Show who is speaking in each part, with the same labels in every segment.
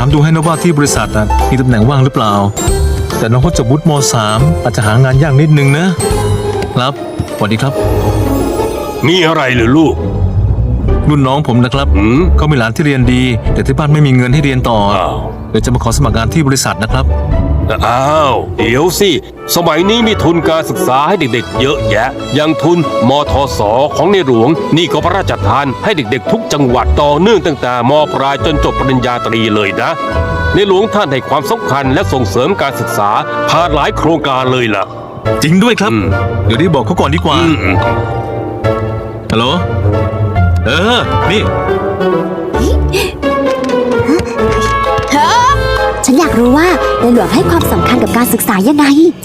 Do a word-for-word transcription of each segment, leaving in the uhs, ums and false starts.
Speaker 1: ดูให้นะว่าที่บริษัทมีตำแหน่งว่างหรือเปล่าแต่น้องเขาจบวุฒิม สาม อาจจะหางานยากนิดนึงนะครับสวัสดีครับ
Speaker 2: มีอะไรหรือลูก
Speaker 1: รุ่นน้องผมนะครับ
Speaker 2: อืม
Speaker 1: เขามีหลานที่เรียนดี แต่ที่บ้านไม่มีเงินให้เรียนต่อ
Speaker 2: อ้าว
Speaker 1: เดี๋ยวจะมาขอสมัครงานที่บริษัทนะครับ
Speaker 2: อ้าวเดี๋ยวสิสมัยนี้มีทุนการศึกษาให้เด็กๆเยอะแยะอย่างทุนมทสของในหลวงนี่ก็พระราชทานให้เด็กๆทุกจังหวัดต่อเนื่องตั้งแต่มปลายจนจบปริญญาตรีเลยนะในหลวงท่านให้ความสำคัญและส่งเสริมการศึกษาผ่านหลายโครงการเลยล่ะ
Speaker 1: จริงด้วยครับ
Speaker 2: อืม
Speaker 1: เดี๋ยวได้บอกเขาก่อนดีกว่า
Speaker 2: อืมอืม
Speaker 1: ฮัลโหลเออนี่
Speaker 3: ฉันอยากรู้ว่าในหลวงให้ความสำคัญกับการศึกษายังไง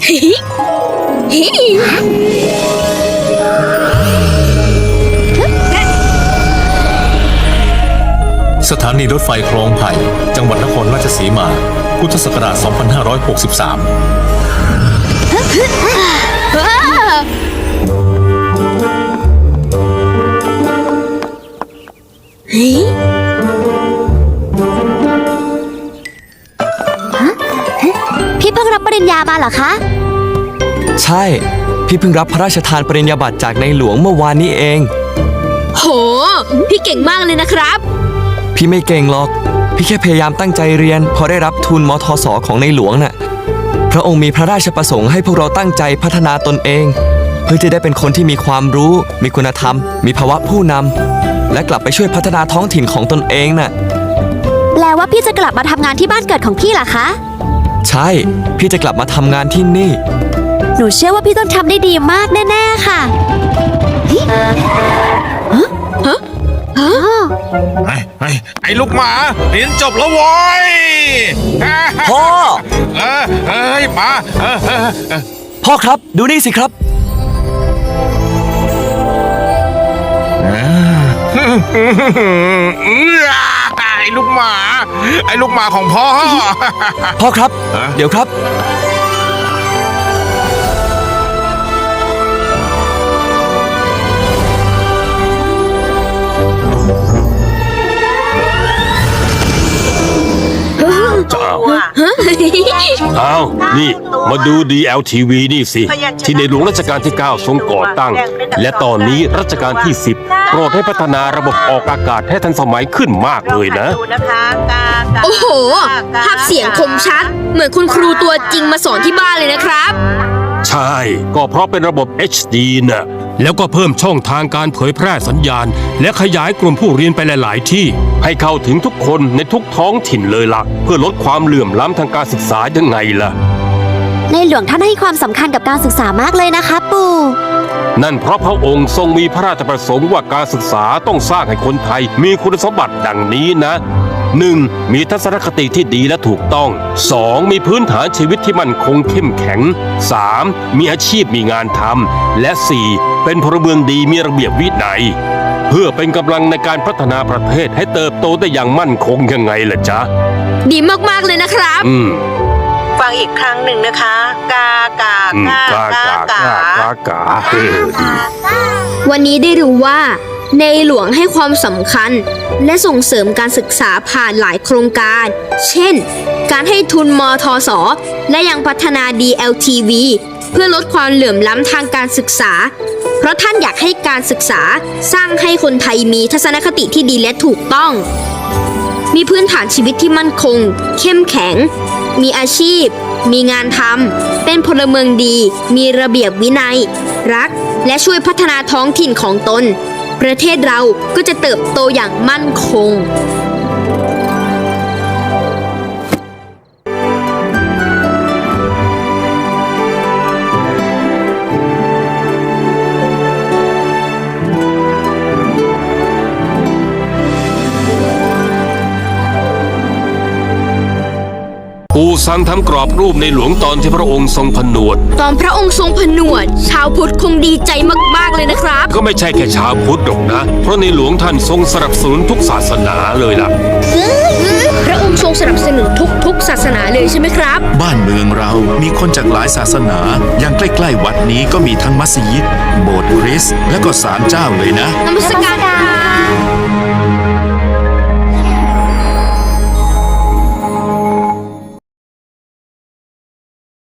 Speaker 1: สถานีรถไฟคลองไผ่จังหวัดนครราชสีมาพุทธศักราช สองพันห้าร้อยหกสิบสาม
Speaker 3: พี่เพิ่งรับปริญญามาเหรอคะ
Speaker 4: ใช่ พี่เพิ่งรับพระราชทานปริญญาบัตรจากในหลวงเมื่อวานนี้เอง
Speaker 5: โห พี่เก่งมากเลยนะครับ
Speaker 4: พี่ไม่เก่งหรอก พี่แค่พยายามตั้งใจเรียนพอได้รับทุนมทสของในหลวงน่ะ พระองค์มีพระราชประสงค์ให้พวกเราตั้งใจพัฒนาตนเอง เพื่อจะได้เป็นคนที่มีความรู้ มีคุณธรรม มีภาวะผู้นำและกลับไปช่วยพัฒนาท้องถิ่นของตนเองน่ะ
Speaker 3: แปลว่าพี่จะกลับมาทำงานที่บ้านเกิดของพี่เหรอคะ
Speaker 4: ใช่ พี่จะกลับมาทำงานที่นี่
Speaker 3: หนูเชื่อว่าพี่ต้องทำได้ดีมากแน่ๆค่ะฮะฮะฮะ
Speaker 6: ไอ้ไอ้ไอ้ลูกหมาเรียนจบแล้วโว้ย
Speaker 4: พ่อ
Speaker 6: เออเอ้ยมาเออเออเออ
Speaker 4: พ่อครับ ดูนี่สิครับ
Speaker 6: ไอ้ลูกหมา ไอ้ลูกหมาของพ่อ
Speaker 4: พ่อครับ
Speaker 6: ฮะ
Speaker 4: เดี๋ยวครับ
Speaker 2: จะเอาอ้าวนี่มาดู ดี แอล ที วี นี่สิ ที่ในหลวงรัชกาลที่ เก้า ทรงก่อตั้ง และตอนนี้รัชกาลที่ สิบ โปรดให้พัฒนาระบบออกอากาศให้ทันสมัยขึ้นมากเลยนะ
Speaker 5: โอ้โห ภาพเสียงคมชัด เหมือนคุณครูตัวจริงมาสอนที่บ้านเลยนะครับ
Speaker 2: ใช่ ก็เพราะเป็นระบบ เอช ดี น่ะ แล้วก็เพิ่มช่องทางการเผยแพร่สัญญาณ และขยายกลุ่มผู้เรียนไปหลาย ๆ ที่ ให้เข้าถึงทุกคนในทุกท้องถิ่นเลยล่ะ เพื่อลดความเหลื่อมล้ำทางการศึกษายังไงล่ะ
Speaker 3: ในหลวงท่านให้ความสำคัญกับการศึกษามากเลยนะคะปู่
Speaker 2: นั่นเพราะพระองค์ทรงมีพระราชประสงค์ว่าการศึกษาต้องสร้างให้คนไทยมีคุณสมบัติดังนี้นะ หนึ่ง มีทัศนคติที่ดีและถูกต้อง สอง มีพื้นฐานชีวิตที่มั่นคงเข้มแข็ง สาม มีอาชีพมีงานทำและ สี่ เป็นพลเมืองดีมีระเบียบวินัย เพื่อเป็นกำลังในการพัฒนาประเทศให้เติบโตได้อย่างมั่นคงยังไงล่ะจ๊ะ
Speaker 5: ดีมากๆเลยนะครับ
Speaker 2: อืม
Speaker 7: ฟังอีกครั้งหนึ่งนะคะ กากา
Speaker 2: อืม
Speaker 7: กาก
Speaker 2: ากากากากาเออดี
Speaker 5: วันนี้ได้รู้ว่า ในหลวงให้ความสำคัญ และส่งเสริมการศึกษาผ่านหลายโครงการ เช่น การให้ทุนมทส และยังพัฒนา ดี แอล ที วี เพื่อลดความเหลื่อมล้ำทางการศึกษา เพราะท่านอยากให้การศึกษาสร้างให้คนไทยมีทัศนคติที่ดีและถูกต้อง มีพื้นฐานชีวิตที่มั่นคง เข้มแข็ง มีอาชีพ มีงานทำ เป็นพลเมืองดี มีระเบียบวินัย รัก และช่วยพัฒนาท้องถิ่นของตน ประเทศเราก็จะเติบโตอย่างมั่นคง
Speaker 2: ปู่สั่งทำกรอบรูปในหลวงตอนที่พระองค์ทรงผนวด
Speaker 5: ตอนพระองค์ทรงผนวด ชาวพุทธคงดีใจมากๆเลยนะครับ
Speaker 2: ก็ไม่ใช่แค่ชาวพุทธหรอกนะ เพราะในหลวงท่านทรงสนับสนุนทุกศาสนาเลยล่ะ
Speaker 5: พระองค์ทรงสนับสนุนทุกๆศาสนาเลยใช่ไหมครับ
Speaker 8: บ้านเมืองเรามีคนจากหลายศาสนา อย่างใกล้ๆวัดนี้ก็มีทั้งมัสยิด โบสถ์คริสต์และก็ศาลเจ้าเลยนะ
Speaker 5: นมัสการครับ